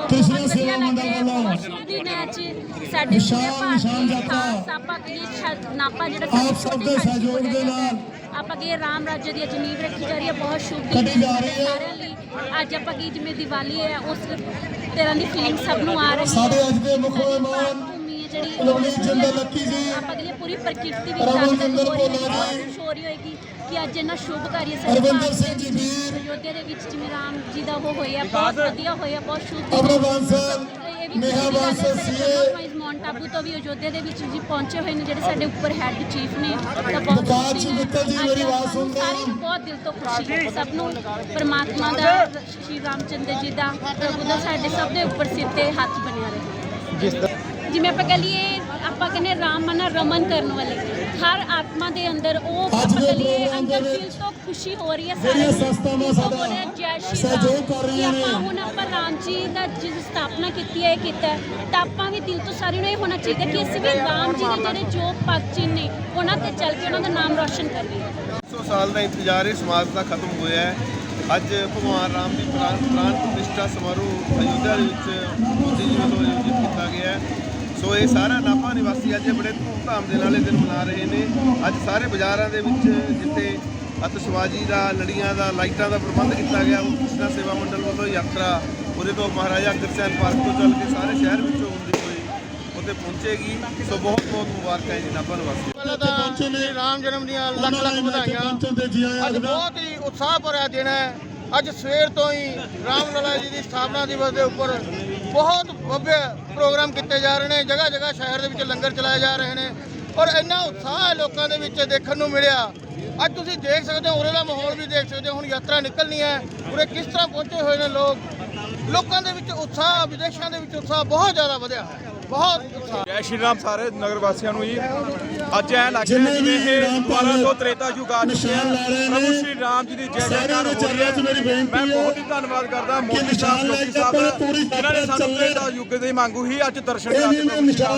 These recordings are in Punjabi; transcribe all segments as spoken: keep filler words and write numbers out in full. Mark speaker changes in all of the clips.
Speaker 1: कृष्ण सेवा मंडल वालों
Speaker 2: ਦੀ ਮੈਚ ਸਾਡੇ ਪੂਰੇ ਭਾਰਤ ਦੀ ਖਾਸ ਆਪਾਂ ਕੀ ਨਾਪਾ ਜਿਹੜਾ
Speaker 1: आप सबके सहयोग के नाल
Speaker 2: ਆਪਾਂ ਕੀ ਰਾਮ ਰਾਜ ਦੀ ਨੀਂਹ ਰੱਖੀ ਜਾ ਰਹੀ ਹੈ। ਬਹੁਤ ਸ਼ੁਭ
Speaker 1: ਕੱਢੀ ਜਾ ਰਹੀ ਹੈ।
Speaker 2: ਸਾਰਿਆਂ ਲਈ ਅੱਜ ਆਪਾਂ ਕੀ ਜਿਵੇਂ ਦੀਵਾਲੀ ਹੈ ਉਸ ਤਰ੍ਹਾਂ ਦੀ ਫੀਲਿੰਗ ਸਭ ਨੂੰ ਆ ਰਹੀ ਹੈ।
Speaker 1: साढ़े अज के मुख मेहमान
Speaker 2: ਭੂਮੀ ਹੈ ਜਿਹੜੀ
Speaker 1: ਲਵਲੀਨ ਜਿੰਦਲ ਲੱਕੀ ਜੀ,
Speaker 2: ਆਪਾਂ ਕੀ ਪੂਰੀ ਪ੍ਰਕਿਰਤੀ ਵੀ
Speaker 1: ਰਮਨ
Speaker 2: ਜਾਗਰਤ
Speaker 1: ਜਿੰਦਲ
Speaker 2: ਹੋ ਰਹੀ ਹੈ,
Speaker 1: ਭੋਲਾ ਜੀ,
Speaker 2: ਖੁਸ਼ ਹੋ ਰਹੀ ਹੋਏਗੀ ਕਿ ਅੱਜ ਇਹਨਾਂ ਸ਼ੁਭ ਕਾਰਜ ਸਾਡੇ
Speaker 1: ਅਰਵਿੰਦਰ
Speaker 2: ਭਾਰਤ
Speaker 1: ਸਿੰਘ ਜੀ ਵੀਰ,
Speaker 2: ਅਯੋਧਿਆ ਦੇ ਵਿੱਚ ਜਿਵੇਂ ਰਾਮ ਜੀ ਦਾ ਉਹ ਹੋਇਆ ਬਹੁਤ ਵਧੀਆ ਹੋਇਆ, ਬਹੁਤ ਸ਼ੁਭ
Speaker 1: ਅਮਰ ਬਾਂਸਲ, ਨੇਹਾ ਬਾਂਸਲ ਸੀਏ,
Speaker 2: ਮਾਊਂਟ ਆਬੂ ਤੋਂ ਵੀ ਅਯੋਧਿਆ ਦੇ ਵਿੱਚ ਜੀ ਪਹੁੰਚੇ ਹੋਏ ਨੇ ਜਿਹੜੇ ਸਾਡੇ ਉੱਪਰ ਹੈੱਡ ਚੀਫ ਨੇ ਤਾਂ ਬਹੁਤ
Speaker 1: ਵਿਕਾਸ
Speaker 2: ਖੁਸ਼ੀ
Speaker 1: ਜੀ
Speaker 2: ਹੈ।
Speaker 1: ਮਿੱਤਲ ਜੀ
Speaker 2: ਅੱਜ
Speaker 1: ਮੇਰੀ ਆਵਾਜ਼
Speaker 2: ਆਪਾਂ ਨੂੰ
Speaker 1: ਸੁਣਦੇ
Speaker 2: ਸਾਰਿਆਂ ਨੂੰ ਬਹੁਤ ਦਿਲ ਤੋਂ ਖੁਸ਼ੀ ਹੈ। ਸਭ ਨੂੰ ਪਰਮਾਤਮਾ ਦਾ ਸ਼੍ਰੀ ਰਾਮਚੰਦਰ ਜੀ ਦਾ ਪ੍ਰਭੂ ਦਾ ਸਾਡੇ ਸਭ ਦੇ ਉੱਪਰ ਸਿਰ ਤੇ ਹੱਥ ਬਣਿਆ ਰਹੇ। ਜਿਵੇਂ ਆਪਾਂ ਕਹ ਲਈਏ ਆਪਾਂ ਕਹਿੰਦੇ ਰਾਮ ਮਨਾ ਰਮਨ ਕਰਨ ਵਾਲੇ ਹਰ ਆਤਮਾ ਦੇ ਅੰਦਰ ਉਹ
Speaker 1: ਅੱਜ
Speaker 2: ਆਪਾਂ
Speaker 1: ਦੇ
Speaker 2: ਕਹ ਲਈਏ
Speaker 1: ਪ੍ਰੋਗਰਾਮ ਦੇ
Speaker 2: ਅੰਦਰ ਦਿਲ
Speaker 1: ਵਿੱਚ
Speaker 2: ਤੋਂ ਖੁਸ਼ੀ ਹੋ ਰਹੀ ਹੈ।
Speaker 1: ਜਿਹੜੀਆਂ
Speaker 2: ਸਾਰੇ
Speaker 1: ਸੰਸਥਾਵਾਂ
Speaker 2: ਦਿਲ ਤੋਂ
Speaker 1: ਸਾਡਾ
Speaker 2: ਹੋ ਰਿਹਾ ਜੈ ਸ਼੍ਰੀ
Speaker 1: ਸਹਿਯੋਗ
Speaker 2: ਰਾਮ
Speaker 1: ਕਰ
Speaker 2: ਕਿ
Speaker 1: ਰਹੀਆਂ ਨੇ।
Speaker 2: ਆਪਾਂ ਹੁਣ ਆਪਾਂ ਰਾਮ ਜੀ ਦਾ ਜਿਸ ਸਥਾਪਨਾ ਕੀਤੀ ਹੈ ਇਹ ਕੀਤਾ ਹੈ, ਤਾਂ ਆਪਾਂ ਵੀ ਦਿਲ ਤੋਂ ਸਾਰਿਆਂ ਨੂੰ ਇਹ ਹੋਣਾ ਚਾਹੀਦਾ ਕਿ ਅਸੀਂ ਵੀ ਰਾਮ ਜੀ ਦੇ ਜਿਹੜੇ ਜੋ ਭਗਤ ਚਿੰਨ੍ਹ ਨੇ ਉਹਨਾਂ ਤੇ ਚੱਲ ਕੇ ਉਹਨਾਂ ਦਾ ਨਾਮ ਰੌਸ਼ਨ ਕਰੀਏ।
Speaker 3: ਸੌ ਸਾਲ ਦਾ ਇੰਤਜ਼ਾਰ ਇਸ ਸਮਾਜ ਦਾ ਖਤਮ ਹੋਇਆ ਹੈ। ਅੱਜ ਭਗਵਾਨ ਰਾਮ ਦੀ ਪ੍ਰਾਣ ਪ੍ਰਾਣ ਪ੍ਰਤਿਸ਼ਠਾ ਸਮਾਰੋਹ ਅਯੋਧਿਆ ਦੇ ਵਿੱਚ ਮੋਦੀ ਜੀ ਵੱਲੋਂ ਆਯੋਜਿਤ ਕੀਤਾ ਗਿਆ ਹੈ। ਸੋ ਇਹ ਸਾਰਾ ਨਾਭਾ ਨਿਵਾਸੀ ਅੱਜ ਬੜੇ ਧੂਮਧਾਮ ਦੇ ਨਾਲ ਇਹ ਦਿਨ ਮਨਾ ਰਹੇ ਨੇ। ਅੱਜ ਸਾਰੇ ਬਾਜ਼ਾਰਾਂ ਦੇ ਵਿੱਚ ਜਿੱਥੇ ਅਤਿਸ਼ਬਾਜ਼ੀ ਦਾ, ਲੜੀਆਂ ਦਾ, ਲਾਈਟਾਂ ਦਾ ਪ੍ਰਬੰਧ ਕੀਤਾ ਗਿਆ, ਉਹ ਕ੍ਰਿਸ਼ਨਾ ਸੇਵਾ ਮੰਡਲ ਵੱਲੋਂ ਯਾਤਰਾ ਉਹਦੇ ਤੋਂ ਮਹਾਰਾਜਾ ਅਗਰਸੈਨ ਪਾਰਕ ਤੋਂ ਚੱਲ ਕੇ ਸਾਰੇ ਸ਼ਹਿਰ ਵਿੱਚੋਂ ਹੁੰਦੀ ਹੋਈ ਉੱਥੇ ਪਹੁੰਚੇਗੀ। ਸੋ ਬਹੁਤ ਬਹੁਤ ਮੁਬਾਰਕਾਂ ਹੈ ਜੀ ਨਾਭਾ ਨਿਵਾਸੀ।
Speaker 4: ਪਹਿਲਾਂ ਤਾਂ ਸ਼੍ਰੀ ਰਾਮ ਜਨਮ ਦੀਆਂ ਲੱਖ ਲੱਖ ਵਧਾਈਆਂ। ਅੱਜ ਬਹੁਤ ਹੀ ਉਤਸ਼ਾਹ ਭਰਿਆ ਦਿਨ ਹੈ। ਅੱਜ ਸਵੇਰ ਤੋਂ ਹੀ ਰਾਮ ਲਲਾ ਜੀ ਦੀ ਸਥਾਪਨਾ ਦਿਵਸ ਦੇ ਉੱਪਰ ਬਹੁਤ ਭव्य ਪ੍ਰੋਗਰਾਮ ਕੀਤੇ ਜਾ ਰਹੇ ਨੇ। ਜਗ੍ਹਾ ਜਗ੍ਹਾ ਸ਼ਹਿਰ ਦੇ ਵਿੱਚ ਲੰਗਰ ਚਲਾਏ ਜਾ ਰਹੇ ਨੇ ਔਰ ਇੰਨਾ ਉਤਸ਼ਾਹ ਹੈ ਲੋਕਾਂ ਦੇ ਵਿੱਚ ਦੇਖਣ ਨੂੰ ਮਿਲਿਆ। ਅੱਜ ਤੁਸੀਂ ਦੇਖ ਸਕਦੇ ਹੋ ਉਰੇ ਦਾ ਮਾਹੌਲ ਵੀ ਦੇਖ ਸਕਦੇ ਹੋ। ਹੁਣ ਯਾਤਰਾ ਨਿਕਲਣੀ ਹੈ, ਉਰੇ ਕਿਸ ਤਰ੍ਹਾਂ ਪਹੁੰਚੇ ਹੋਏ ਨੇ ਲੋਕ। ਲੋਕਾਂ ਦੇ ਵਿੱਚ ਉਤਸ਼ਾਹ, ਵਿਦੇਸ਼ਾਂ ਦੇ ਵਿੱਚ ਉਤਸ਼ਾਹ ਬਹੁਤ ਜ਼ਿਆਦਾ ਵਧਿਆ ਹੈ, ਬਹੁਤ ਉਤਸ਼ਾਹ।
Speaker 5: ਜੈ ਸ਼੍ਰੀ ਰਾਮ ਸਾਰੇ ਨਗਰ ਵਾਸੀਆਂ ਨੂੰ ਜੀ। ਅੱਜ ਐ ਲੱਗ ਰਿਹਾ ਜਿਵੇਂ ਇਹ ਦੁਬਾਰਾ ਤੋਂ ਤ੍ਰੇਤਾ ਯੁੱਗ ਆ ਚੁੱਕਿਆ। ਪ੍ਰਭੂ ਸ਼੍ਰੀ ਰਾਮ ਜੀ ਦੀ ਜੈ ਜੈਕਾਰ ਹੋ ਰਹੀ ਹੈ। ਮੈਂ ਬਹੁਤ ਹੀ ਧੰਨਵਾਦ ਕਰਦਾ ਮੋਦੀ ਸਾਹਿਬ, ਜੋਗੀ ਸਾਹਿਬ ਜਿਨ੍ਹਾਂ ਨੇ ਸਾਨੂੰ ਤ੍ਰੇਤਾ ਯੁੱਗ ਦੀ ਮੰਗੂ ਹੀ ਅੱਜ ਦਰਸ਼ਨ ਕਰਾ ਕੇ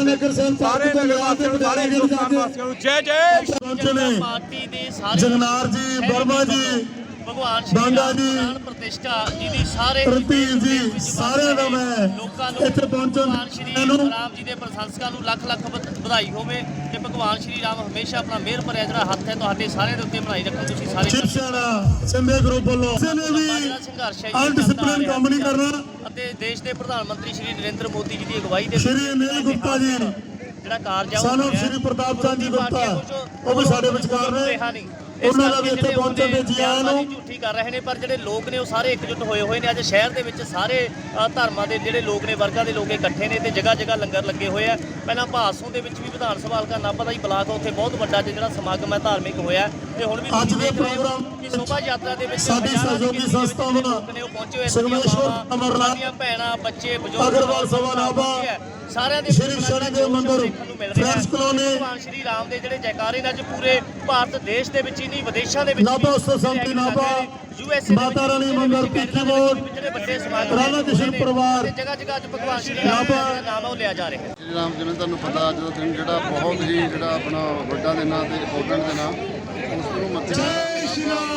Speaker 5: ਸਾਰੇ ਨਗਰ ਵਾਸੀਆਂ ਨੂੰ, ਸਾਰੇ ਹਿੰਦੁਸਤਾਨ ਵਾਸੀਆਂ ਨੂੰ ਜੈ ਜੈ
Speaker 1: ਪਹੁੰਚੇ ਨੇ।
Speaker 6: ਪਾਰਟੀ ਦੇ ਸਾਰੇ
Speaker 1: ਜਗਨਾਰ ਜੀ, ਵਰਮਾ ਜੀ,
Speaker 6: ਭਗਵਾਨ
Speaker 1: ਬਾਂਗਾ
Speaker 6: ਸ਼੍ਰੀ
Speaker 1: ਜੀ,
Speaker 6: ਰਾਮ ਪ੍ਰਤਿਸ਼ਠਾ ਜੀ ਦੀ ਸਾਰੇ
Speaker 1: ਪ੍ਰਤੀਕ ਜੀ, ਸਾਰਿਆਂ ਦਾ ਮੈਂ
Speaker 6: ਲੋਕਾਂ ਨੂੰ
Speaker 1: ਇੱਥੇ ਪਹੁੰਚਣ
Speaker 6: ਭਗਵਾਨ ਸ਼੍ਰੀ
Speaker 1: ਨੂੰ
Speaker 6: ਰਾਮ ਜੀ ਦੇ ਪ੍ਰਸ਼ੰਸਕਾਂ ਨੂੰ ਲੱਖ ਲੱਖ ਵਧ- ਵਧਾਈ ਹੋਵੇ ਤੇ ਭਗਵਾਨ ਸ਼੍ਰੀ ਰਾਮ ਹਮੇਸ਼ਾ ਆਪਣਾ ਮਿਹਰ ਭਰਿਆ ਜਿਹੜਾ ਹੱਥ ਹੈ ਤੁਹਾਡੇ ਸਾਰਿਆਂ ਦੇ ਉੱਤੇ ਬਣਾਈ ਰੱਖੋ। ਤੁਸੀਂ ਸਾਰੇ
Speaker 1: ਸ਼ਿਵ ਸੈਨਾ ਸਿੰਧੇ ਗਰੁੱਪ ਵੱਲੋਂ ਕਿਸੇ ਨੇ ਵੀ
Speaker 6: ਜਿਹੜਾ ਸੰਘਰਸ਼ ਹੈ ਜੀ
Speaker 1: ਅਨਡਿਸਪਲਿਨ ਕੰਮ ਨਹੀਂ ਕਰਨਾ।
Speaker 6: ਅਤੇ ਦੇਸ਼ ਦੇ ਪ੍ਰਧਾਨ ਮੰਤਰੀ ਸ਼੍ਰੀ ਨਰਿੰਦਰ ਮੋਦੀ ਜੀ ਦੀ ਅਗਵਾਈ ਦੇ
Speaker 1: ਸ਼੍ਰੀ ਅਨਿਲ ਗੁਪਤਾ ਜੀ,
Speaker 6: ਜਿਹੜਾ ਕਾਰਜ ਆ ਉਹ
Speaker 1: ਸਾਨੂੰ
Speaker 6: ਹੋ ਰਿਹਾ।
Speaker 1: ਸ਼੍ਰੀ ਪ੍ਰਤਾਪ ਚੰਦ ਜੀ ਗੁਪਤਾ,
Speaker 6: ਕੁਛ
Speaker 1: ਉਹ ਵੀ ਸਾਡੇ ਵਿਚਕਾਰ ਨੇ।
Speaker 6: ਰਿਹਾ ਨਹੀਂ।
Speaker 1: ਉਹਨਾਂ ਦਾ ਵੀ ਇੱਥੇ ਪਹੁੰਚਣ ਦੇ ਜੀ ਆਇਆਂ ਨੂੰ।
Speaker 6: ਝੂਠੀ ਕਰ ਰਹੇ ਨੇ ਪਰ ਜਿਹੜੇ ਲੋਕ ਨੇ ਉਹ ਸਾਰੇ ਇਕਜੁੱਟ ਹੋਏ ਹੋਏ ਨੇ। ਅੱਜ ਸ਼ਹਿਰ ਦੇ ਵਿੱਚ ਸਾਰੇ ਅ, ਧਰਮਾਂ ਦੇ ਜਿਹੜੇ ਲੋਕ ਨੇ, ਵਰਗਾਂ ਦੇ ਲੋਕ ਇਕੱਠੇ ਨੇ ਤੇ ਜਗ੍ਹਾ ਜਗ੍ਹਾ ਲੰਗਰ ਲੱਗੇ ਹੋਏ ਆ। ਪਹਿਲਾਂ ਭਾਸੋਂ ਦੇ ਵਿੱਚ ਵੀ ਵਿਧਾਨ ਸਭਾ ਹਲਕਾ ਨਾਭਾ ਦਾ ਹੀ ਬਲਾਕ ਆ, ਉੱਥੇ ਬਹੁਤ ਵੱਡਾ ਜਿਹੜਾ ਸਮਾਗਮ ਹੈ ਧਾਰਮਿਕ ਹੋਇਆ ਤੇ ਹੁਣ ਵੀ
Speaker 1: ਅੱਜ
Speaker 6: ਤੁਸੀਂ
Speaker 1: ਦੇ
Speaker 6: ਦੇਖ ਰਹੇ ਹੋ
Speaker 1: ਪ੍ਰੋਗਰਾਮ
Speaker 6: ਕਿ ਸ਼ੋਭਾ ਯਾਤਰਾ ਦੇ ਵਿੱਚ
Speaker 1: ਸਾਡੀ
Speaker 6: ਹਜ਼ਾਰਾਂ ਦੀ
Speaker 1: ਸਹਿਯੋਗੀ
Speaker 6: ਗਿਣਤੀ ਦੇ ਵਿੱਚ
Speaker 1: ਸੰਸਥਾਵਾਂ,
Speaker 6: ਲੋਕ ਨੇ ਉਹ ਪਹੁੰਚੇ ਹੋਏ।
Speaker 1: ਸੰਗਮੇਸ਼ਵਰ,
Speaker 6: ਸਾਡੀਆਂ
Speaker 1: ਅਮਰਨਾਥ,
Speaker 6: ਸਾਡੀਆਂ ਭੈਣਾਂ, ਬੱਚੇ, ਬਜ਼ੁਰਗ
Speaker 1: ਅਗਰਵਾਲ ਸਭਾ ਨਾਭਾ,
Speaker 6: ਸਾਰਿਆਂ ਦੇ
Speaker 1: ਸ਼੍ਰੀ ਸ਼ਨੀਦੇਵ ਮੰਦਿਰ, ਫਰੈਂਡਸ ਕਲੋਨੀ,
Speaker 6: ਭਗਵਾਨ ਸ਼੍ਰੀ ਰਾਮ ਦੇ ਜਿਹੜੇ ਜੈਕਾਰੇ ਨੇ ਅੱਜ ਪੂਰੇ ਭਾਰਤ ਦੇਸ਼ ਦੇ ਵਿੱਚ ਹੀ ਨਹੀਂ ਵਿਦੇਸ਼ਾਂ ਦੇ ਵਿੱਚ
Speaker 1: ਨਾਭਾ ਉਤਸਵ ਸਮਿਤੀ ਨਾਭਾ,
Speaker 6: ਯੂਐਸਏ
Speaker 1: ਮਾਤਾ ਰਾਣੀ ਮੰਦਿਰ, ਪੀਕੀ ਮੋੜ,
Speaker 6: ਜਿਹੜੇ ਵੱਡੇ ਸਮਾਗਮ
Speaker 1: ਰਾਧਾ ਕ੍ਰਿਸ਼ਨ ਪਰਿਵਾਰ,
Speaker 6: ਜਗ੍ਹਾ ਜਗ੍ਹਾ ਅੱਜ ਭਗਵਾਨ ਸ਼੍ਰੀ ਰਾਮ ਦਾ ਜਿਹੜਾ ਨਾਮ ਹੈ ਉਹ ਲਿਆ ਜਾ ਰਿਹਾ ਹੈ।
Speaker 4: ਸ਼੍ਰੀ ਰਾਮ ਜਿਵੇਂ ਤੁਹਾਨੂੰ ਪਤਾ ਅੱਜ ਦਾ ਦਿਨ ਜਿਹੜਾ ਬਹੁਤ ਹੀ ਜਿਹੜਾ ਆਪਣਾ ਵੱਡਾ ਦਿਨ ਆ ਤੇ ਇੰਪੋਰਟੈਂਟ ਦਿਨ ਆ। ਉਸ ਨੂੰ ਮੱਥੇ ਜੈ ਸ਼੍ਰੀ ਰਾਮ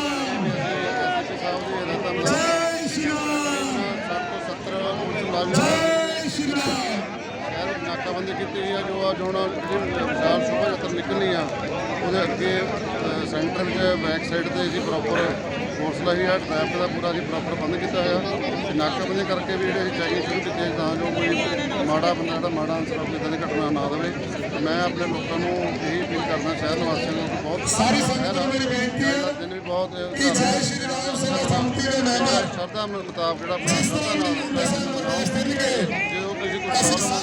Speaker 4: ਸਾਹਿਬ ਦੀ ਰਤਾ ਮਿਲਾ ਜੈ ਸ਼੍ਰੀ ਰਾਮ ਸੱਤ ਤੋਂ ਸੱਤਰ ਮੁਲਾਜ਼ਮ ਜੈ ਸ਼੍ਰੀ ਰਾਮ ਸ਼ਹਿਰ ਨਾਕਾਬੰਦੀ ਕੀਤੀ ਗਈ ਆ। ਜੋ ਅੱਜ ਹੁਣ ਵਿਸ਼ਾਲ ਸ਼ੋਭਾ ਯਾਤਰਾ ਨਿਕਲਣੀ ਆ ਉਹਦੇ ਅੱਗੇ ਅ, ਸੈਂਟਰ ਵਿੱਚ ਬੈਕ ਸਾਈਡ ਤੇ ਜੀ ਪ੍ਰੋਪਰ ਫੋਰਸ ਲਾਈ ਆ। ਟ੍ਰੈਫਿਕ ਦਾ ਪੂਰਾ ਜੀ ਪ੍ਰੋਪਰ ਬੰਦ ਕੀਤਾ ਹੋਇਆ ਤੇ ਨਾਕਾਬੰਦੀ ਕਰਕੇ ਵੀ ਜਿਹੜੇ ਚੈਕਿੰਗ ਸ਼ੁਰੂ ਕੀਤੀ ਤਾਂ ਜੋ ਕੋਈ ਮਾੜਾ ਬੰਦਾ ਜਿਹੜਾ ਮਾੜਾ ਅਨਸਰ ਆਪਣੀ ਇੱਦਾਂ ਦੀ ਘਟਨਾ ਨਾ ਦੇਵੇ। ਮੈਂ ਆਪਣੇ ਲੋਕਾਂ ਨੂੰ ਇਹੀ ਅਪੀਲ ਕਰਦਾ ਸ਼ਹਿਰ ਨਿਵਾਸੀਆਂ ਨੂੰ ਕਿ ਬਹੁਤ
Speaker 1: ਸਾਰੀ ਸੰਗਤ ਨੂੰ ਮੇਰੀ ਬੇਨਤੀ ਹੈ
Speaker 4: ਦਿਨ ਵੀ ਬਹੁਤ
Speaker 1: ਕਿ ਜੈ ਸ਼੍ਰੀ ਰਾਮ ਸੇਵਾ ਸੰਮਤੀ ਦੇ ਮੈਂਬਰ
Speaker 4: ਸ਼ਰਧਾ ਮੁਤਾਬਕ ਜਿਹੜਾ ਆਪਣਾ ਸ਼ਰਧਾ ਨਾਲ ਜਦੋਂ ਕਿਸੇ ਕੋਈ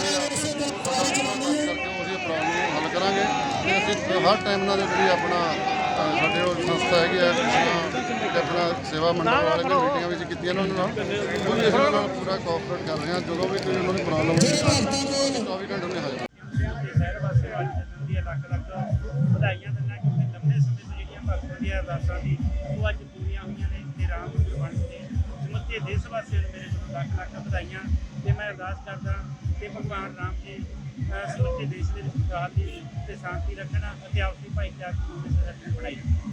Speaker 4: ਪ੍ਰੋਬਲਮ ਆਉਂਦੀ ਆ ਕਰਕੇ ਉਹਦੀ ਪ੍ਰੋਬਲਮ ਨੂੰ ਹੱਲ ਕਰਾਂਗੇ ਤੇ ਅਸੀਂ ਹਰ ਟਾਈਮ ਨਾਲ ਜਿਹੜੀ ਆਪਣਾ ਅ, ਸਾਡੇ ਉਹ ਸੰਸਥਾ ਹੈਗੀ ਆ ਤੇ ਆਪਣਾ ਸੇਵਾ ਮੰਡਲ ਵਾਲੇ ਨੇ ਮੀਟਿੰਗਾਂ ਵਿੱਚ ਕੀਤੀਆਂ ਉਹਨਾਂ ਨਾਲ ਉਹ ਵੀ ਅਸੀਂ ਉਹਨਾਂ ਨਾਲ ਪੂਰਾ ਕੋਆਪਰੇਟ ਕਰ ਰਹੇ ਹਾਂ। ਜਦੋਂ ਵੀ ਕੋਈ ਉਹਨਾਂ ਦੀ ਪ੍ਰੋਬਲਮ ਹੋਵੇ ਚੌਵੀ ਘੰਟੇ ਉਹਨੇ ਹਾਜ਼ਰ
Speaker 7: ਸ਼ਹਿਰ ਵਾਸੀਆਂ ਅੱਜ ਜਨਮ ਦੀਆਂ ਲੱਖ ਲੱਖ ਵਧਾਈਆਂ ਦਿੰਦਾ ਕਿਉਂਕਿ ਲੰਬੇ ਸਮੇਂ ਤੋਂ ਜਿਹੜੀਆਂ ਭਗਤਾਂ ਦੀਆਂ ਅਰਦਾਸਾਂ ਦੀ ਉਹ ਅੱਜ ਪੂਰੀਆਂ ਹੋਈਆਂ ਨੇ ਤੇ ਰਾਮ ਮੰਦਰ ਬਣ ਕੇ ਸਮੁੱਚੇ ਦੇਸ਼ ਵਾਸੀਆਂ ਨੂੰ ਮੇਰੇ ਵੱਲੋਂ ਲੱਖ ਲੱਖ ਵਧਾਈਆਂ। ਤੇ ਮੈਂ ਅਰਦਾਸ ਕਰਦਾ ਕਿ ਭਗਵਾਨ ਰਾਮ ਜੀ ਸਮੁੱਚੇ ਦੇਸ਼ ਦੇ ਵਿੱਚ ਖੁਸ਼ਹਾਲੀ ਤੇ ਸ਼ਾਂਤੀ ਰੱਖਣਾ ਅਤੇ ਆਪਸੀ ਭਾਈਚਾਰੇ ਨੂੰ ਬਣਾਈ ਰੱਖਣਾ।